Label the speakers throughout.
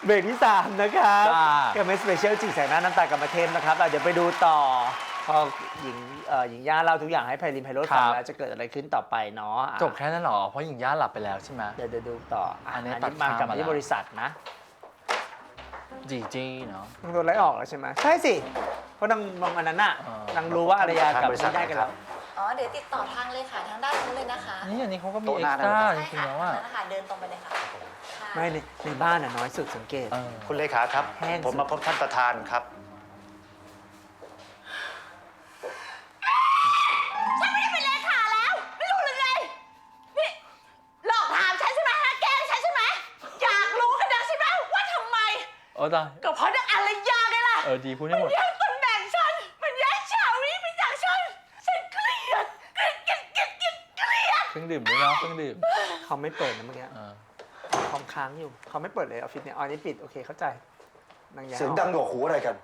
Speaker 1: เบรกที่3นะครับ
Speaker 2: จ้า
Speaker 1: กับเมสเปเชียลจีแสงหน้าน้ำตากับมาเทมนะครับเดี๋ยวไปดูต่อพอหญิงย่าเล่าทุกอย่างให้ไพลินไพโรจน์ฟังแล้วจะเกิดอะไรขึ้นต่อไปเนาะ
Speaker 2: จบแค่นั้นเหรอ เพราะหญิงย่าหลับไปแล้วใช่ไหม
Speaker 1: เดี๋ยวดูต่ออันนี้
Speaker 2: ตัด
Speaker 1: มากับ
Speaker 2: ข้ามมาแล้ว
Speaker 1: ที่บริษัทนะ
Speaker 2: จีจี้เนาะ
Speaker 1: นางโดนไล่ออกแล้วใช่ไหมใช่สิเพราะนางมองอันนั้นน่ะ
Speaker 2: อ๋อ
Speaker 1: นางรู้ว่าอารยากับไม่ได้กันแล้ว
Speaker 3: อ๋อ เดี๋ยวติดต่อทางเลยค่ะทางด้านนู้นเลยนะคะ
Speaker 2: นี่อันนี้เขาก็มี
Speaker 4: โต๊ะ
Speaker 2: เอ็
Speaker 4: ห
Speaker 2: ก
Speaker 4: น้า
Speaker 2: ซ์ตร้า
Speaker 4: ได้
Speaker 2: จริงๆแล้วอ่ะ
Speaker 3: นั่นแหละค่ะเดินตรงไปเลยค่ะค่ะ
Speaker 1: ไม่ในบ้านน่ะน้อยสุดสังเกต
Speaker 2: เออ
Speaker 4: คุณเลขาครับ
Speaker 1: แห้งสุด
Speaker 4: ผมมาพบท่านประธานครับ
Speaker 3: ฉันไม่ได้เป็นเลขาแล้ว ไม่รู้หรือไง นี่หลอกถามฉันใช่ไหมฮะแกล้งฉันใช่ไหม อยากรู้กันนักใช่ไหมว่าทำไม
Speaker 2: โอ้ตาย
Speaker 3: ก็เพราะนางอารยาไงล่ะ
Speaker 2: ดีพูดให้หมด
Speaker 3: แย่งตำแหน่งฉัน มันแย่งชาวีไปจากฉัน ฉันเกลียดเกลียดเกลียดเกลียดเกลียดเกลียด
Speaker 2: เครื่องดื่มด้วยเนาะเครื่องดื่ม
Speaker 1: เขาไม่เปิดนะเมื่อกี้
Speaker 2: เออ
Speaker 1: คอมค้างอยู่เขาไม่เปิดเลยออฟฟิศเนี่ยอ๋อนี่ปิดโอเคเข้าใจนางยา
Speaker 5: เสียงดังหนวกหูอะไรกัน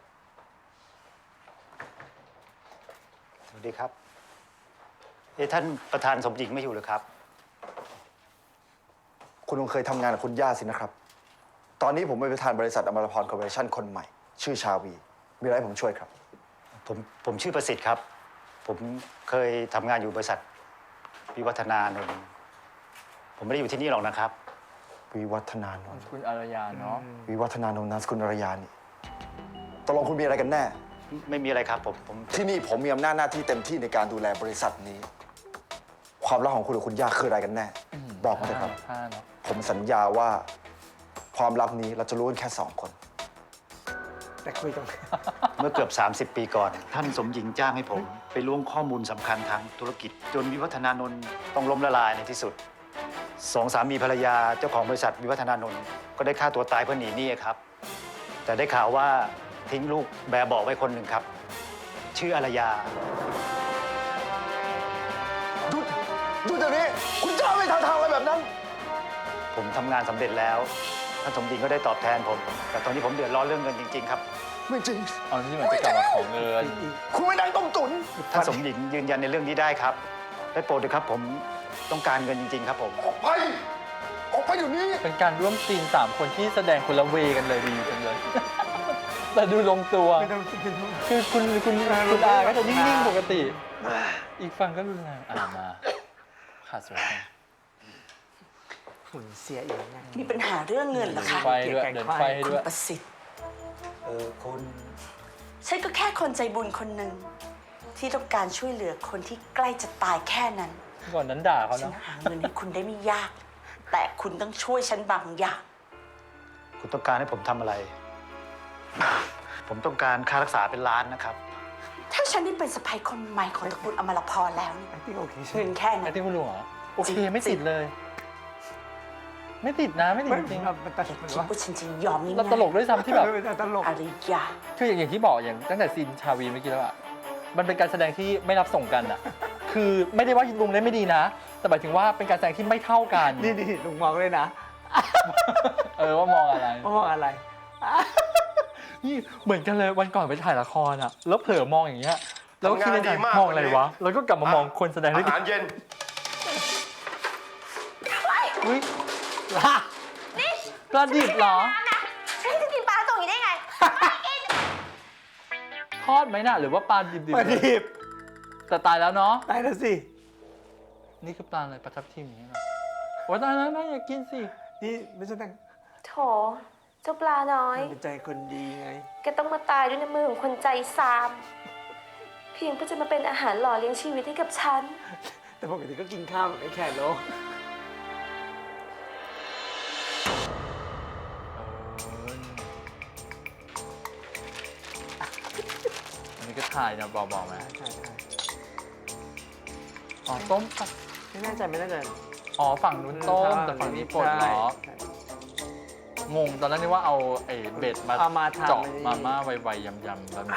Speaker 4: สวัสดีครับท่านประธานสมหญิงไม่อยู่หรือครับ
Speaker 5: คุณคงเคยทำงานกับคุณย่าสินะครับ ตอนนี้ผมเป็นประธานบริษัทอมรพรคอร์ปอเรชั่นคนใหม่ ชื่อชาวี มีอะไรให้ผมช่วยครับ
Speaker 4: ผมชื่อประสิทธิ์ครับ ผมเคยทำงานอยู่บริษัทวิวัฒนานนท์ผมไม่ได้อยู่ที่นี่หรอกนะครับ
Speaker 5: วิวัฒนานนท์
Speaker 2: คุณอารยาเนาะ
Speaker 5: วิวัฒนานนท์นามสกุลอรยานี่ตกลงคุณมีอะไรกันแน่
Speaker 4: ไม่มีอะไรครับผม
Speaker 5: ที่นี่ผมมีอำนาจหน้าที่เต็มที่ในการดูแลบริษัทนี้ ความลับของคุณกับคุณย่าคืออะไรกันแน่ บอกมาเถอะครับ
Speaker 2: ผ้าเนาะ
Speaker 5: ผมสัญญาว่าความลับนี้เราจะรู้กันแค่2 คน
Speaker 1: แต่คุยตรง
Speaker 4: เมื่อเกือบ 30 ปีก่อน ท่านสมหญิงจ้างให้ผม ไปล้วงข้อมูลสำคัญทางธุรกิจ จนวิวัฒนานนท์ต้องล้มละลายในที่สุด2 สามีภรรยาเจ้าของบริษัทวิวัฒนานนท์ก็ได้ฆ่าตัวตายเพื่อหนีหนี้ครับ แต่ได้ข่าวว่าทิ้งลูกแบบเบาะไว้คนหนึ่งครับ ชื่ออารยา
Speaker 5: ดูเดี๋ยวนี้ คุณย่าไม่ทำทางอะไรแบบนั้น
Speaker 4: ผมทำงานสำเร็จแล้วท่านสมหญิงก็ได้ตอบแทนผม แต่ตอนนี้ผมเดือดร้อนเรื่องเงินจริงๆครับ
Speaker 5: ไม่จริง
Speaker 2: เอาที่เหมือนจะกลับมาของเงิน
Speaker 5: คุณไม่นั่งต้มตุ๋น
Speaker 4: ท่านสมหญิงยืนยันในเรื่องนี้ได้ครับ ได้โปรดเถอะครับ ผมต้องการเงินจริงๆครับผม
Speaker 5: ออกไป ออกไปอยู่นี้
Speaker 2: เป็นการร่วมซีน3 คนที่แสดงคนละเวกันเลยดีจังเลย แต่ดูลงตัว
Speaker 1: ไม่ต้องคิดถึง
Speaker 2: คือคุณอาก็จะนิ่งๆปกติ อีกฝั่งก็รุนแรงมาขาดสวย
Speaker 1: หุ่นเสียอีกไง
Speaker 6: มีปัญหาเรื่องเงินเหรอคะ
Speaker 2: ไฟด้วยเดินไฟให้
Speaker 6: คุ
Speaker 2: ด้
Speaker 6: ณ
Speaker 2: วย
Speaker 6: ประสิทธิ์
Speaker 4: คุณ
Speaker 6: ฉันก็แค่คนใจบุญคนหนึ่งที่ต้องการช่วยเหลือคนที่ใกล้จะตายแค่นั้น
Speaker 2: ก่อนนั้นด่าเขา
Speaker 6: ฉัน
Speaker 2: เนาะ
Speaker 6: หาเงินให้คุณได้ไม่ยาก แต่คุณต้องช่วยฉันบางอย่าง
Speaker 4: คุณต้องการให้ผมทำอะไร ผมต้องการค่ารักษาเป็นล้านนะครับ
Speaker 6: ถ้าฉันได้เป็นสะใภ้คนใหม่ของตระกูลอมรพรแล้วเนี่ย
Speaker 1: ไอ้ที่โอเคใช่
Speaker 6: เงินแค่
Speaker 2: ไอ้
Speaker 6: นั้น
Speaker 2: ที่คุณลุงเหรอโอเคไม่ติดเลย ไม่ติดนะไม่ติด
Speaker 1: ไม่
Speaker 2: จริง
Speaker 1: มันตัด
Speaker 6: คิด
Speaker 1: มันว่า
Speaker 6: ว่าฉันจะยอมง่ายๆ
Speaker 2: เราตลกด้วยซ้ำที่แบบ
Speaker 1: เป็นตลก
Speaker 6: อารยา
Speaker 2: คืออย่างที่บอกอย่างตั้งแต่ซีนชาวีเมื่อกี้แล้วอะมันเป็นการแสดงที่ไม่รับส่งกันอะคือไม่ได้ว่าลุงเล่นไม่ดีนะ แต่หมายถึงว่าเป็นการแสดงที่ไม่เท่ากัน
Speaker 1: นี่ลุงมองเลยนะ
Speaker 2: ว่ามองอะไร
Speaker 1: ว่ามองอะไร
Speaker 2: นี่เหมือนกันเลยวันก่อนไปถ่ายละครอะแล้วเผลอมองอย่างเงี้ยแล้วก็คิดในใจ
Speaker 7: ทำงานดีมาก
Speaker 2: มองอะไร
Speaker 7: วันนี้
Speaker 2: วะแล้วก็กลับมามองคนแสดงด้วย
Speaker 7: อา
Speaker 2: กั
Speaker 7: หารเย็น
Speaker 2: อุ้ยปลาดิบเหรอ
Speaker 3: ฉันจะกินปลาตรงนี้ได้ไง
Speaker 2: ทอดไหมน่ะหรือว่าปลาดิบ
Speaker 1: ปลาดิบ
Speaker 2: แต่ตายแล้วเนาะ
Speaker 1: ตายแล้วสิ
Speaker 2: นี่คือปลาอะไรปลาทับทิมอย่างเงี้ยเหรอโอ้ยตายแล้วน่าอยากกินสิ
Speaker 1: นี่ไม่ใช่แต่ง
Speaker 8: โถ เจ้าปลาน้อย
Speaker 1: เป็นใจคนดีไง
Speaker 8: แกต้องมาตายด้วยน้ำมือของคนใจซาม เพียงเพื่อจะมาเป็นอาหารหล่อเลี้ยงชีวิตให้กับฉัน
Speaker 1: แต่ปกติก็กินข้าวแบบไอ้แขกโล
Speaker 2: อันนี้ก็ถ่ายนะบอกไหม
Speaker 1: ใช่
Speaker 2: อ๋อต้มปะ
Speaker 1: ไม่แน่ใจไม่แน่ใจ
Speaker 2: อ๋อฝั่งนู้นต้มแต่ฝั่งนี้ปลดล็อก
Speaker 1: ใช่
Speaker 2: งงตอนนั้นนี่ว่าเอาไอ้เบ็ดมา
Speaker 1: เอามาทำ
Speaker 2: เจาะ
Speaker 1: ไอ้นี่
Speaker 2: มาม่าไวๆยำๆแบบนี้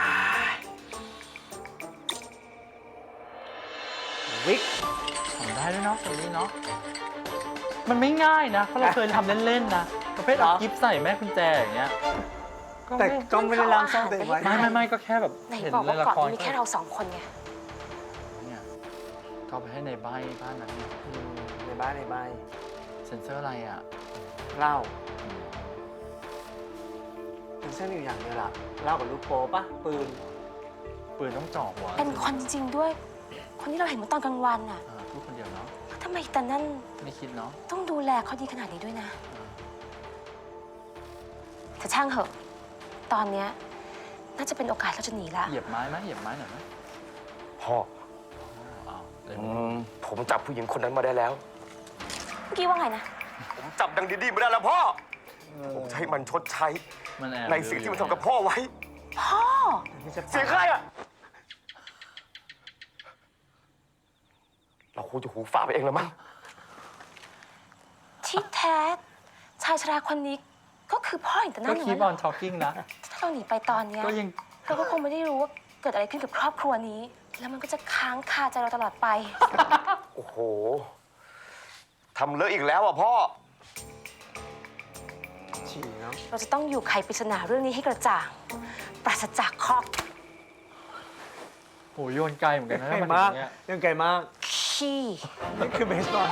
Speaker 1: วิก
Speaker 2: ทำได้ด้วยเนาะตรงนี้เนาะมันไม่ง่ายนะเพราะเราเคยทำเล่นๆนะประเภทเอากิฟใส่แม่กุญแจอย่างเงี้ย
Speaker 1: แต่ก็ไม่ได้ล้างซ่อนตัวเองไว้
Speaker 2: ไม่ก็แค่แบบ
Speaker 8: ไหน
Speaker 2: เห็น
Speaker 8: บอก
Speaker 2: ใน
Speaker 8: ว่า
Speaker 2: ละ
Speaker 8: ก่อน
Speaker 2: คร
Speaker 8: มีแค่เราสองคนไง
Speaker 2: เนี่ยเข้าไปให้ในบ้านนั้นเนี่ย
Speaker 1: ในบ้าน
Speaker 2: เซ็นเซอร์อะไรอ่ะ
Speaker 1: เหล้ามันเส้นอยู่อย่างเดียวล่ะเล่ากับลูกโป๊ปะปืน
Speaker 2: ปืนต้องจ่อหัว
Speaker 8: เป็นคนจริงๆด้วย คนที่เราเห็นเมื่อตอนกลางวันน่ะ
Speaker 2: พูดคนเดียวเนาะ
Speaker 8: แล้วทำไมแต่นั่น
Speaker 2: ไม่คิดเนาะ
Speaker 8: ต้องดูแลเขาดีขนาดนี้ด้วยนะแต่ช่างเหอะ ตอนเนี้ยน่าจะเป็นโอกาสเราจะหนีละ
Speaker 2: เหยียบไม้ไหมเหยียบไม้หน่อยไหม
Speaker 7: พ่อ
Speaker 2: อ้าวเลย
Speaker 7: ผมจับผู้หญิงคนนั้นมาได้แล้ว
Speaker 8: เมื่อกี้ว่าไงนะ
Speaker 7: ผมจับดังดีๆมาได้แล้วพ่อ ผมจะให้มันชดใช้
Speaker 2: มันแอบ
Speaker 7: ในสิ่งที่มันทำกับพ่อไว้
Speaker 8: พ่อ
Speaker 7: เสียงใครอะเราคงจะหูฝาดไปเองแล้วมั้ง
Speaker 8: ที่แท้ชายชราคนนี้ก็คือพ่ออย่างแต่นั่
Speaker 2: ก็
Speaker 8: นอย่าง
Speaker 2: คี
Speaker 8: นั้
Speaker 2: บ
Speaker 8: น
Speaker 2: อ
Speaker 8: เหร
Speaker 2: น
Speaker 8: อ
Speaker 2: ทอ l กิ้งนะ
Speaker 8: ถ้าเราหนีไปตอนเนี้ย
Speaker 2: ก็ยัง
Speaker 8: เราก็คงไม่ได้รู้ว่าเกิดอะไรขึ้นกับครอบครัวนี้ แล้วมันก็จะค้างคาใจเราตลอดไป
Speaker 7: โอ้โห ทำเลอะอีกแล้วอ่ะพ่อ
Speaker 1: ฉี่เนาะ
Speaker 8: เราจะต้องอยู่ไขปริศนาเรื่องนี้ให้กระจ่าง ปราศจากข้อ
Speaker 2: โหโยนไกลเหมือนกันนะ
Speaker 1: ไกล
Speaker 2: ถ้า
Speaker 1: มาก
Speaker 2: ถึงเนี้ย
Speaker 1: ยังไกลมาก
Speaker 8: ขี้
Speaker 1: นี่คือเบสบอล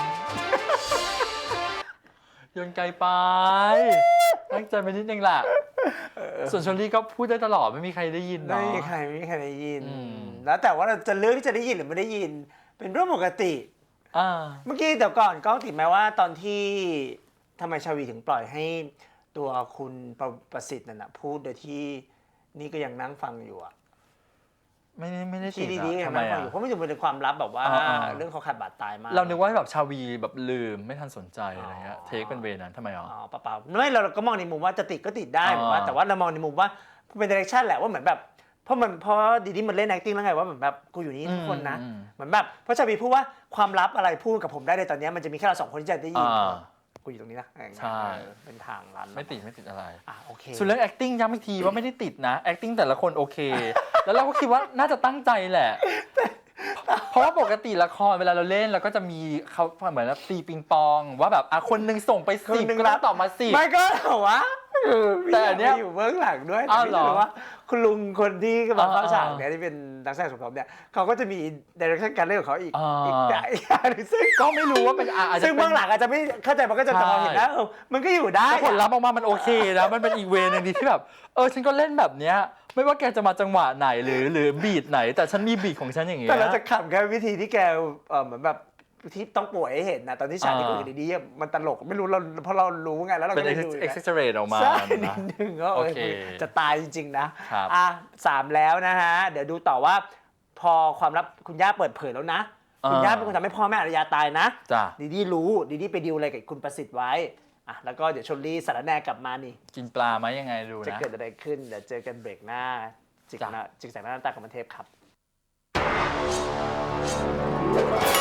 Speaker 2: โยนไกลไปตั้งใจไปนิดนึงแหละส่วนชลลี่ก็พูดได้ตลอดไม่มีใครได้ยิน
Speaker 1: ไม่
Speaker 2: เนาะ
Speaker 1: มีใครได้ยิน
Speaker 2: อืม
Speaker 1: แล้วแต่ว่าเราจะเลือกที่จะได้ยินหรือไม่ได้ยิน เป็นเรื่องปกติ
Speaker 2: อ่า
Speaker 1: เมื่อกี้เดี๋ยวก่อนกล้องติดไหมว่าตอนที่ทำไมชาวีถึงปล่อยให้ตัวคุณประสิทธิ์นั่นนะพูดโดยที่นี่ก็ยังนั่งฟังอยู่อะ
Speaker 2: ไม่ได้ติ
Speaker 1: ที่
Speaker 2: ด
Speaker 1: ดีๆ
Speaker 2: อะ
Speaker 1: ยัง
Speaker 2: ทำไม
Speaker 1: นั่งฟัง
Speaker 2: อะ
Speaker 1: อยู่เพราะมันจะเป็นความลับแบบว่า
Speaker 2: อ่าๆ
Speaker 1: เรื่องเขาขาดบาดตายมาก
Speaker 2: เรานึกว่าแบบชาวีแบบลืมไม่ทันสนใจอะไรเงี้ยเทคเป็นเวนั้นทำไมอ๋อ
Speaker 1: อ๋อเปล่าๆไม่เราก็มองในมุมว่าจะติดก็ติดได้
Speaker 2: อ่า
Speaker 1: ผมว่าแต่ว่าเรามองในมุมว่าเป็นดิเรกชันแหละว่าเหมือนแบบเพราะดีดีมันเล่น acting แล้วไงว่าเหมือนแบบกูอยู่นี่ทุกคนนะ
Speaker 2: อืม
Speaker 1: เหมือนแบบเพราะชาวีพูดว่าความลับอะไรพูดกับผมได้ในตอนเนี้ยมันจะมีแค่เราสองคนที่จะได้ยิน
Speaker 2: อ่า
Speaker 1: กูอยู่ตรงนี้นะอะไรอย่างเงี้ย
Speaker 2: ใช่
Speaker 1: เป็นทางลัน
Speaker 2: ไม่ติดอะไร
Speaker 1: อ่ะโอเค
Speaker 2: ส่วนเรื่อง acting ย้ำอีกทีว่าไม่ได้ติดนะ acting แต่ละคนโอเค แล้วเราก็คิดว่าน่าจะตั้งใจแหละ เพราะว่าปกติละครเวลาเราเล่นเราก็จะมีเขาเหมือนตีปิงปอง ว่าแบบคนหนึงส่งไป
Speaker 1: คน
Speaker 2: 10
Speaker 1: หนึ่ง
Speaker 2: ก็ต้องตอบมา10
Speaker 1: ไม่ก็เหรอวะ
Speaker 2: แต่อันเนี้ย
Speaker 1: พี่อยู่เบื้องหลังด้วย
Speaker 2: อ้าว
Speaker 1: แต่
Speaker 2: เหรอ
Speaker 1: พี่รู้ว่าคุณลุงคนที่กำลังเข้า
Speaker 2: อ่า
Speaker 1: ฉากเนี่ยที่เป็นนักแสดงสมทบเนี่ยเขาก็จะมีดิเรกชันการเล่นของเขาอีก
Speaker 2: อ่า
Speaker 1: อีกอย่างหนึ่งซึ่ง
Speaker 2: ก็ไม่รู้ว่าเป็นอาจจะ
Speaker 1: ซึ่ง
Speaker 2: เป็
Speaker 1: เบื้
Speaker 2: น
Speaker 1: องหลังอาจจะไม่เข้าใจมันก็จะมองเห็นนะมันก็อยู่ได้
Speaker 2: แต่ผลลัพธ์ออกมามันโอเคนะมันเป็นอีกเวนึงดีที่แบบฉันก็เล่นแบบเนี้ยไม่ว่าแกจะมาจังหวะไหนหรือบีทไหน แต่ฉันมีบีทของฉันอย่างเงี้ย
Speaker 1: แต่เราจะขำแค่วิธีที่แกเหมือนแบบที่ต้องป่วยให้เห็นนะตอนที่ฉากที่คุยกันดีๆมันตลกไม่รู้เราเพราะเรารู้ไงแล้วเรา
Speaker 2: เป็น
Speaker 1: ก็เลยดู
Speaker 2: exaggerate ออกมา
Speaker 1: ใช่นิ
Speaker 2: นะ
Speaker 1: ดนึงก็
Speaker 2: โอเค
Speaker 1: จะตายจริงๆนะครับ 3แล้วนะฮะเดี๋ยวดูต่อว่าพอความลับคุณย่าเปิดเผยแล้วนะคุณย่าเป็นคนทำให้พ่อแม่อารยาตายนะ
Speaker 2: จ้ะ
Speaker 1: ดีดีรู้ดีดีไปดีลอะไรกับคุณประสิทธิ์ไว้แล้วก็เดี๋ยวชลลี่สารแหนกลับมานี่
Speaker 2: กินปลาไหมยังไงดู
Speaker 1: จะ
Speaker 2: นะ
Speaker 1: เกิดอะไรขึ้นเดี๋ยวเจอกันเบรกหน้าจิก
Speaker 2: จ้ะ
Speaker 1: แสงหน้าตากับมันเทพครับ